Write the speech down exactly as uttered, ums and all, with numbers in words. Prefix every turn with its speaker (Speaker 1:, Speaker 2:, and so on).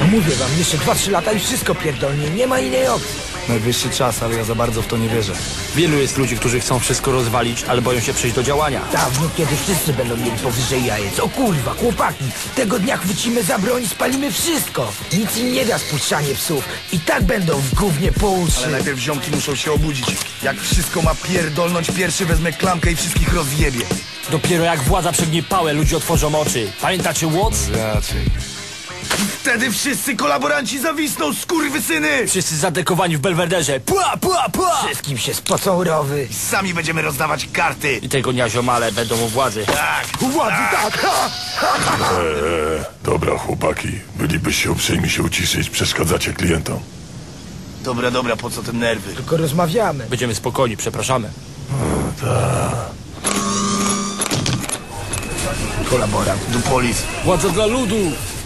Speaker 1: Mówię wam, jeszcze dwa trzy lata i wszystko pierdolnie, nie ma innej opcji.
Speaker 2: Najwyższy czas, ale ja za bardzo w to nie wierzę.
Speaker 3: Wielu jest ludzi, którzy chcą wszystko rozwalić, ale boją się przejść do działania.
Speaker 1: Dawno, kiedy wszyscy będą mieli powyżej jajec. O kurwa, chłopaki, tego dnia chwycimy za broń i spalimy wszystko. Nic im nie da spuszczanie psów. I tak będą w gównie po uszy.
Speaker 4: Ale najpierw ziomki muszą się obudzić. Jak wszystko ma pierdolnąć, pierwszy wezmę klamkę i wszystkich rozjebie.
Speaker 3: Dopiero jak władza przegnie pałę, ludzie otworzą oczy. Pamiętacie Watts?
Speaker 2: Raczej.
Speaker 4: Wtedy wszyscy kolaboranci zawisną, skurwysyny!
Speaker 3: Wszyscy zadekowani w Belwederze. Pła, pła, pła!
Speaker 1: Wszystkim się spocą rowy.
Speaker 4: Sami będziemy rozdawać karty.
Speaker 3: I tego dnia ziomale będą u władzy.
Speaker 4: Tak.
Speaker 1: Władzy tak! Ha!
Speaker 5: Eee, dobra chłopaki, bylibyście uprzejmi się uciszyć, przeszkadzacie klientom.
Speaker 4: Dobra, dobra, po co te nerwy?
Speaker 1: Tylko rozmawiamy.
Speaker 3: Będziemy spokojni, przepraszamy.
Speaker 4: Kolaborant, Dupolis.
Speaker 3: Władza dla ludu!